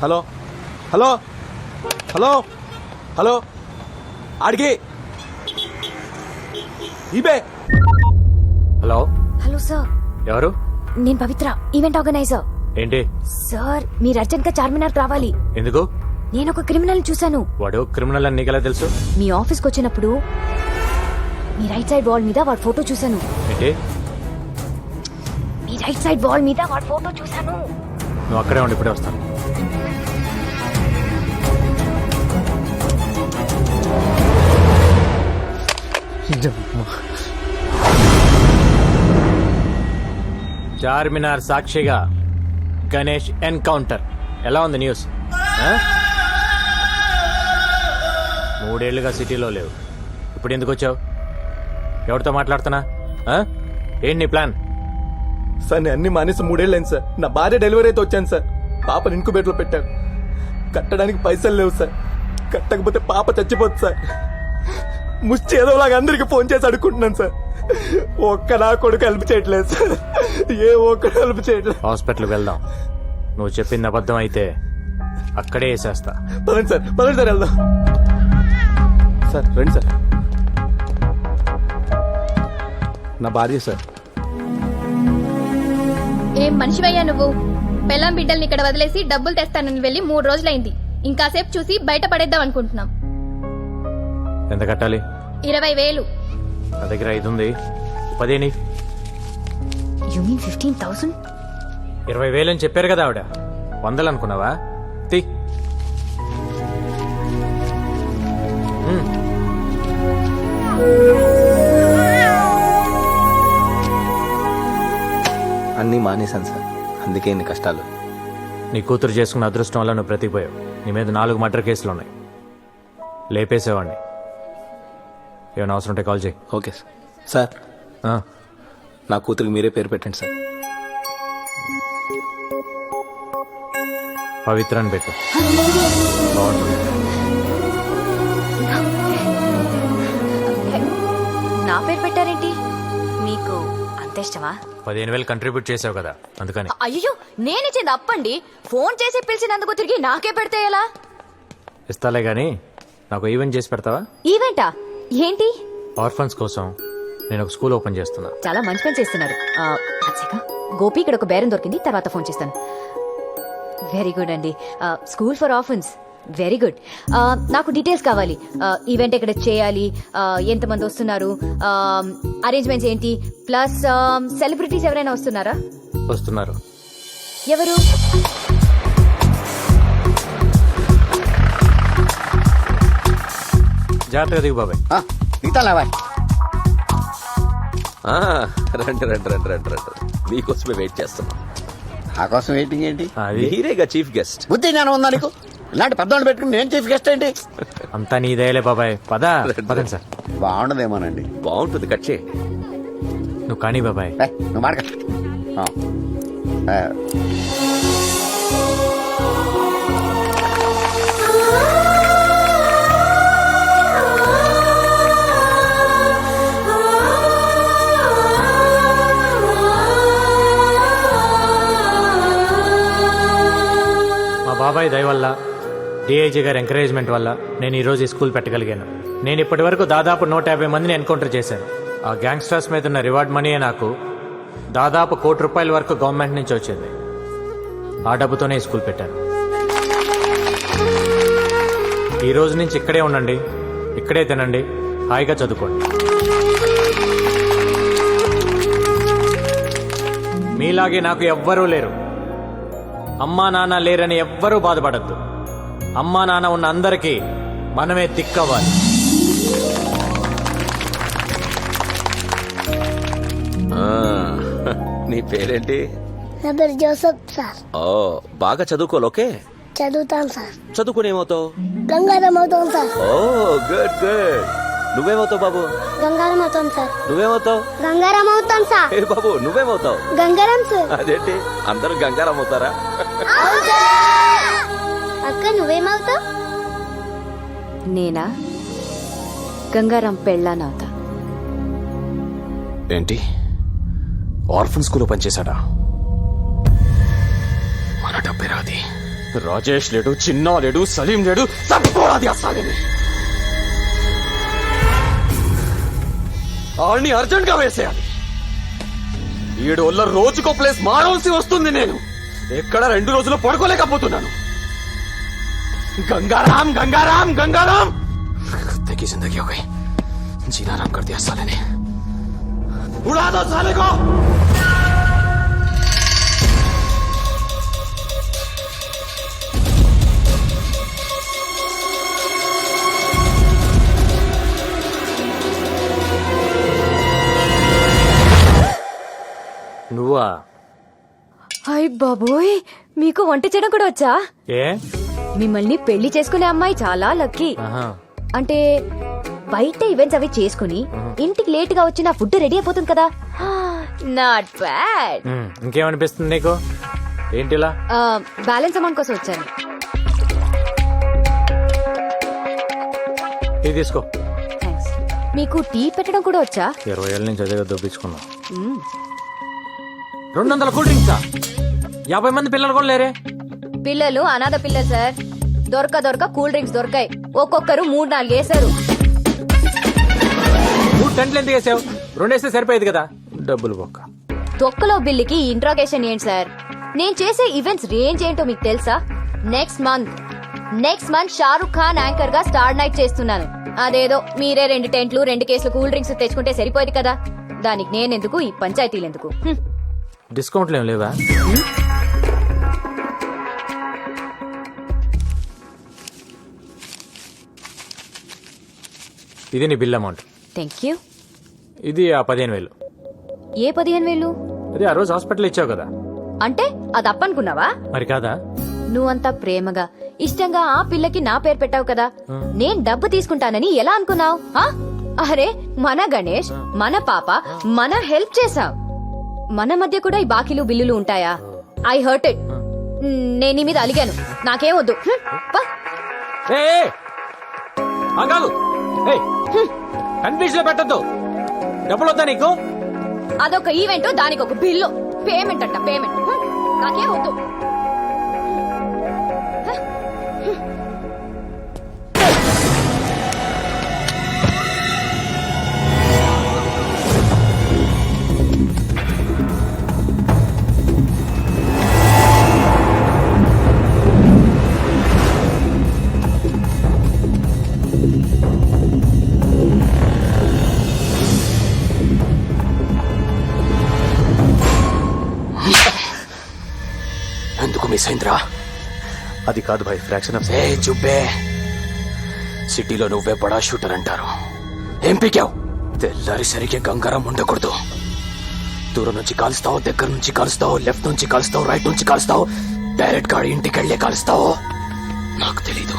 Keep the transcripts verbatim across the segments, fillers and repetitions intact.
Hello hello hello hello ఆడికి ఇబే. Hello hello sir, ఎవరు? నేను పవిత్ర, ఈవెంట్ ఆర్గనైజర్. ఏంటి సార్, మీరు అర్జెంట్ గా చార్మినార్ రావాలి. ఎందుకు? నేను ఒక క్రిమినల్ చూశాను. వాడు క్రిమినల్ అని నీకెలా తెలుసు? మీ ఆఫీస్కి వచ్చినప్పుడు మీ రైట్ సైడ్ వాల్ మీద వాడి ఫోటో చూశాను. ఏంటి? మీ రైట్ సైడ్ వాల్ మీద వాడి ఫోటో చూశాను. నువ్వు అక్కడే ఉండి ఇప్పుడే వస్తాను. చార్మినార్ సాక్షిగా గణేష్ ఎన్కౌంటర్. ఎలా ఉంది న్యూస్? మూడేళ్లుగా సిటీలో లేవు, ఇప్పుడు ఎందుకు వచ్చావు? ఎవరితో మాట్లాడుతున్నా? ఏంటి నీ ప్లాన్? సార్ నేను అన్ని మానేసి మూడేళ్ళు అయింది సార్. నా భార్య డెలివరీ అయితే వచ్చాను సార్. పాపను ఇంకుబేట్లో పెట్టాను. కట్టడానికి పైసలు లేవు సార్. కట్టకపోతే పాప చచ్చిపోతుంది సార్. ముష్టి ఏదోలాగా అందరికి ఫోన్ చేసి అడుక్కుంటున్నాను సార్. ఒక్క నా కొడుకు హెల్ప్ చేయట్లేదు సార్. ఏ ఒక్కడు హెల్ప్ చేయట్లేదు. హాస్పిటల్కి వెళ్దాం. నువ్వు చెప్పింది అబద్ధం అయితే అక్కడే వేసేస్తా. పదండి సార్, పదండి సార్, వెళ్దాం సార్. రండి సార్. నా భార్య సార్. ఏం మనిషివయ్యా నువ్వు? పెళ్ళాం బిడ్డల్ని ఇక్కడ వదిలేసి డబ్బులు తెస్తానని వెళ్ళి మూడు రోజులైంది. ఇంకాసేపు చూసి బయట పడేద్దాం అనుకుంటున్నాం. ఎంత కట్టాలి? ఇరవై వేలు. నా దగ్గర ఐదు ఉంది, పదేని. You mean fifteen thousand? ఇరవై వేలు అని చెప్పారు కదా ఆవిడ. వందలు అనుకున్నావా? తీ. అన్నీ మానేశాను సార్, అందుకే ఇన్ని కష్టాలు. నీ కూతురు చేసుకున్న అదృష్టం వల్ల నువ్వు బ్రతికిపోయావు. నీ మీద నాలుగు మర్డర్ కేసులు ఉన్నాయి. లేపేసేవాడిని. ఏమైనా అవసరం ఉంటే కాల్ చేయి. Okay sir. సార్ ఆ, నా కూతురికి మీరే పేరు పెట్టండి సార్. పవిత్ర అని పెట్టు. బాగుంటుంది. నా పేరు పెట్టారేంటి? మీకు అంత ఇష్టమా? పదిహేను వేలు కంట్రిబ్యూట్ చేసావు కదా, అందుకని. అయ్యో, నేనిచ్చింది అప్పండి. ఫోన్ చేసి పిలిచినందుకు తిరిగి నాకే పెడితే ఎలా? ఇస్తాలే గానీ నాకు ఈవెంట్ చేసి పెడతావా? ఈవెంటా? ఏంటి? ఆర్ఫన్స్ కోసం నేను ఒక స్కూల్ ఓపెన్ చేస్తున్నా. చాలా మంచి పని చేస్తున్నారు. ఆ, అచ్చగా. గోపి ఇక్కడ ఒక బేరం దొరికింది, తర్వాత ఫోన్ చేస్తాను. వెరీ గుడ్ అండి. School for orphans, very good. నాకు డీటెయిల్స్ కావాలి. ఈవెంట్ ఎక్కడ చేయాలి, ఎంతమంది వస్తున్నారు, అరేంజ్మెంట్స్ ఏంటి, ప్లస్ సెలబ్రిటీస్ ఎవరైనా వస్తున్నారా? వస్తున్నారు. ఎవరు? జాగ్రత్తగా దిగు బాబాయ్. రండి రండి రండి రండి రండి మీకోసమే వెయిట్ చేస్తున్నాం. నా కోసం వెయిటింగ్ ఏంటి? అది మీరేగా చీఫ్ గెస్ట్. బుద్ధి జ్ఞానం ఉందా నీకు? ఇలాంటి పెద్దవాళ్ళు పెట్టుకుని నేను చీఫ్ గెస్ట్ ఏంటి? అంతా నీదేలే బాబాయ్. పద పదండి సార్. బాగుండదేమోనండి. బాగుంటుంది, కట్ చేయి. నువ్వు కానీ బాబాయ్. ఏ, నువ్వు మాడక. ఆ. ఆ. మా బాబాయ్ దయ వల్ల, డిఐజీ గారి ఎంకరేజ్మెంట్ వల్ల నేను ఈ రోజు ఈ స్కూల్ పెట్టగలిగాను. నేను ఇప్పటి వరకు దాదాపు నూట యాభై మందిని ఎన్కౌంటర్ చేశాను. ఆ గ్యాంగ్స్టర్స్ మీద ఉన్న రివార్డ్ మనీయే నాకు దాదాపు కోటి రూపాయల వరకు గవర్నమెంట్ నుంచి వచ్చింది. ఆ డబ్బుతోనే ఈ స్కూల్ పెట్టాను. ఈ రోజు నుంచి ఇక్కడే ఉండండి, ఇక్కడే తినండి, హాయిగా చదువుకోండి. మీలాగే నాకు ఎవ్వరూ లేరు. అమ్మా నాన్న లేరని ఎవ్వరూ బాధపడద్దు. అమ్మా నాన్న ఉన్న అందరికీ మనమే దిక్కవ్వాలి. నీ పేరేంటి? నా పేరు జోసఫ్ సార్. ఓ, బాగా చదువుకోవాలి. ఓకే, చదువుతాను సార్. చదువుకుని ఏమవుతావు? గంగారం అవుతాం సార్. Oh good good. నువ్వేమవుతావు బాబు? గంగారం అవుతాం సార్. నువ్వేమవుతావు? గంగారం అవుతాం సార్. ఏ బాబు, నువ్వేమవుతావు? గంగారం సార్. అదేంటి అందరూ గంగారం అవుతారా? అక్క నువ్వేమవుతావు? నేనా? గంగారాం పెళ్ళానవుతా. ఏంటి, ఆర్ఫన్ స్కూల్లో పనిచేశాడా? మన డబ్బే రాది. రాజేష్ లేడు, చిన్నా లేడు, సలీం లేడు, తట్టుకోరాది అసలేని ఆడిని అర్జెంట్ గా వేసేయాలి. ఏడు వల్ల రోజుకో ప్లేస్ మారవలసి వస్తుంది. నేను ఎక్కడ రెండు రోజులు పడుకోలేకపోతున్నాను. गंगाराम गंगाराम गंगाराम कुत्ते की जिंदगी हो गई. जीना आराम कर दिया साले ने. उड़ा दो साले को. నువ్వా? హాయ్ బాబోయ్, మీకు వంట చేయడం కూడా వచ్చా? ఏ మిమ్మల్ని పెళ్లి చేసుకునే అమ్మాయి చాలా లక్కీ. ఆహా. అంటే బయట ఈవెంట్స్ అవి చేసుకుని ఇంటికి లేట్ గా వచ్చి నా ఫుడ్ రెడీ అయిపోతుంది కదా. Not bad. ఉమ్, ఇంకేమనిపిస్తుంది నీకు? ఏంటిలా? బ్యాలెన్స్ అమౌంట్ కోసం వచ్చాను. ఇది తీసుకో. థ్యాంక్స్. మీకు టీ పెట్టడం కూడా వచ్చా? ఇరవై ఏళ్ళ నుంచి అదే దొబ్బించుకున్నా. మ్మ్. రెండు వందల కూల్ డ్రింక్సా? యాభై మంది పిల్లలు కూడా లేరే. పిల్లలు అనాథ పిల్లలు సార్. దొరక దొరక కూల్ డ్రింక్స్ దొరకాయి. ఒక్కొక్కరు మూడు నాలుగు వేసారు. మూడు టెంట్లు ఎందుకు వేసావు? రెండు వేస్తే సరిపోయేది కదా. డబ్బులు బొక్క. తొక్కలో బిల్లుకి ఇంట్రాగేషన్ ఏంటి సార్? నేను చేసే ఈవెంట్స్ రేంజ్ ఏంటో మీకు తెలుసా? Next month next month Shahrukh Khan anchor గా స్టార్ నైట్ చేస్తున్నాను. అదేదో మీరే రెండు టెంట్లు రెండు కేసులు కూల్ డ్రింక్స్ తెచ్చుకుంటే సరిపోయేది కదా. దానికి నేనెందుకు, ఈ పంచాయతీలు ఎందుకు? హ్మ్. డిస్కౌంట్లు ఏం లేవా? ఇది నీ బిల్ అమౌంట్. Thank you. ఇది ఆ పదిహేను వేలు. ఏ పదిహేను వేలు? అదే ఆ రోజు హాస్పిటల్ ఇచ్చావు కదా. అంటే అది అప్పనుకున్నావా? మరి కాదా? నువ్వంతా ప్రేమగా ఇష్టంగా ఆ పిల్లకి నా పేరు పెట్టావు కదా. నేను డబ్బు తీసుకుంటానని ఎలా అనుకున్నావు? అరే మన గణేష్, మన పాప, మన హెల్ప్ చేసావు. మన మధ్య కూడా ఈ బాకీలు బిల్లులు ఉంటాయా? I hurt it. నేను నీ మీద అలిగాను. నాకేం వద్దు. హ్మ్, పా. కన్ఫ్యూజ్ లో పెట్టద్దు. డబ్బులు వద్దా నీకు? అదొక ఈవెంట్, దానికి ఒక బిల్లు. పేమెంట్ అంట పేమెంట్. హ్మ్, నాకేం వద్దు. ఎందుకు మిస్ అయిందిరా? అది కాదు భాయ్, ఫ్రాక్షన్ ఆఫ్ ఏ చుబ్బే. సిటీలో నువ్వే బడా షూటర్ అంటారు. ఏం పీకావు? తెల్లారి సరిగ్గా గంగారం ఉండకూడదు. దూరం నుంచి కాలుస్తావు, దగ్గర నుంచి కాలుస్తావు, లెఫ్ట్ నుంచి కాలుస్తావు, రైట్ నుంచి కాలుస్తావు, డైరెక్ట్ గా ఇంటికి వెళ్ళే కాలుస్తావు. నాకు తెలీదు.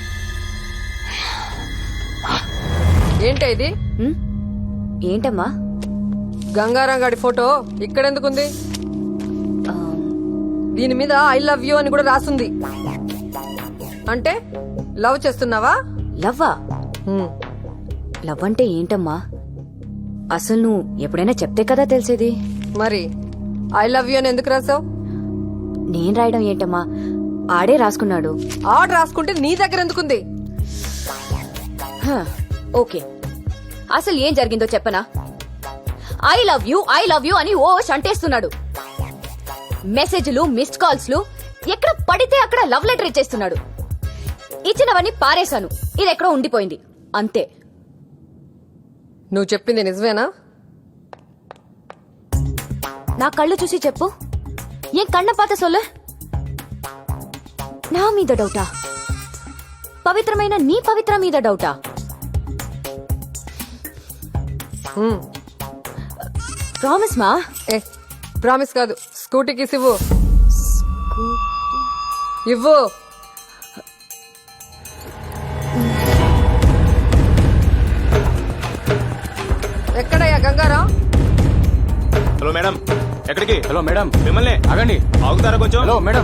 ఏంటా ఇది? హ్మ్? ఏంటమ్మా? గంగారాం గాడి ఫోటో ఇక్కడెందుకుంది? ఆ, దీని మీద ఐ లవ్ యూ అని కూడా రాసుంది. అంటే లవ్ చేస్తున్నావా? లవ్వా? హ్మ్. లవ్ అంటే ఏంటమ్మా? అసలు నువ్వు ఎప్పుడైనా చెప్తే కదా తెలిసేది. మరి ఐ లవ్ యూ అని ఎందుకు రాసావు? నేను రాయడం ఏంటమ్మా? ఆడే రాసుకున్నాడు. ఆర్డర్ రాసుకుంటే నీ దగ్గర ఎందుకుంది? హ, ఓకే, అసలు ఏం జరిగిందో చెప్పనా? I love you I love you అని ఓ అంటేస్తున్నాడు. మెసేజ్లు, మిస్డ్ కాల్స్ లు ఎక్కడ పడితే అక్కడ లవ్ లెటర్ ఇచ్చేస్తున్నాడు. ఇచ్చినవన్నీ పారేశాను. ఇది ఎక్కడో ఉండిపోయింది అంతే. నువ్వు చెప్పింది నిజమేనా? నా కళ్ళు చూసి చెప్పు. ఏం కన్న పాత సొల్లు? నా మీద డౌటా? పవిత్రమైన నీ పవిత్ర మీద డౌటా? హ్మ్. ప్రామిస్ మా. ఏ ప్రామిస్ కాదు, స్కూటీకి ఇవ్వు. ఇవ్వు. ఎక్కడయ్యా గంగారాం? హలో మేడం, ఎక్కడికి? హలో మేడం, మిమ్మల్ని ఆగండి. ఆగుతారా కొంచెం? Hello madam.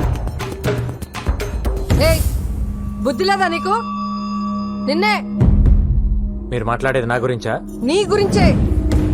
ఏయ్, బుద్ధి లేదా నీకు? నిన్నే. మీరు మాట్లాడేది నా గురించా? నీ గురించే.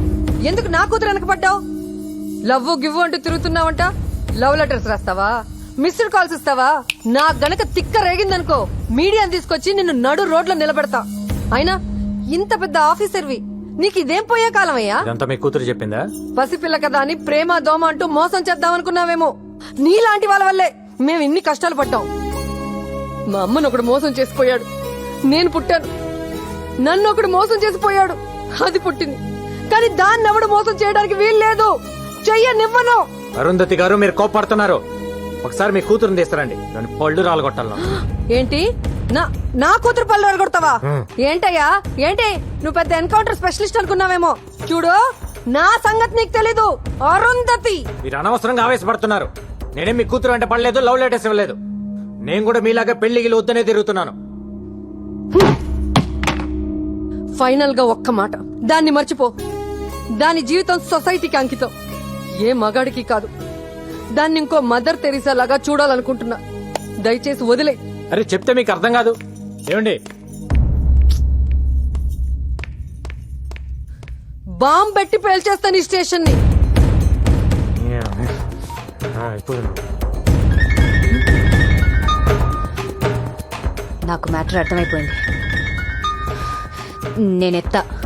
ఎందుకు నా కూతురు వెనకపడ్డావు? లవ్ గివ్వు అంటూ తిరుగుతున్నావంట. లవ్ లెటర్స్ రాస్తావా? మిస్డ్ కాల్స్ ఇస్తావా? నా గనక తిక్క రేగిందనుకో మీడియాని తీసుకొచ్చి నిన్ను నడు రోడ్లో నిలబెడతా. అయినా ఇంత పెద్ద ఆఫీసర్వి నీకు ఇదేం పోయే కాలమయ్యా? ఇదంతా మీ కూతురు చెప్పిందా? పసిపిల్ల కదా అని ప్రేమ దోమ అంటూ మోసం చేద్దామనుకున్నావేమో. నీలాంటి వాళ్ళ వల్లే మేము ఇన్ని కష్టాలు పడ్డాం. మా అమ్మను ఒకడు మోసం చేసిపోయాడు, నేను పుట్టాను. నన్ను ఒకడు మోసం చేసిపోయాడు, అది పుట్టింది. కానీ దాన్ని ఎవడు మోసం చేయడానికి వీలు లేదు. చెయ్యనివ్వను. అరుంధతి గారు మీరు కోపడుతున్నారు. ఒకసారి మీ కూతురుని తీస్తారండి, నన్ను పళ్ళు రాలగొట్టాలను. ఏంటి నా నా కూతురు పళ్ళు అడగొడతావా? హ్మ్. ఏంటయ్యా ఏంటి? నువ్వు పెద్ద ఎన్కౌంటర్ స్పెషలిస్ట్ అనుకున్నావేమో. చూడు, నా సంగతి నీకు తెలీదు. అరుంధతి, మీరు అనవసరంగా ఆవేశపడుతున్నారు. నేనేం మీ కూతురు అంటే పడలేదు, లవ్ లెటర్స్ ఇవ్వలేదు. నేను కూడా మీలాగా పెళ్లికి వద్దనే తిరుగుతున్నాను. ఫైనల్ గా ఒక్క మాట, దాన్ని మర్చిపో. దాని జీవితం సొసైటీకి అంకితం, ఏ మగాడికి కాదు. దాన్ని ఇంకో మదర్ తెరీసా లాగా చూడాలనుకుంటున్నా. దయచేసి వదిలే. అరే చెప్తే మీకు అర్థం కాదు. ఏమండి, బాంబ్ పెట్టి పేల్చేస్తాను ఈ స్టేషన్ ని. ఆ, ఇప్పుడు నాకు మ్యాటర్ అర్థమైపోయింది. నేనెత్తా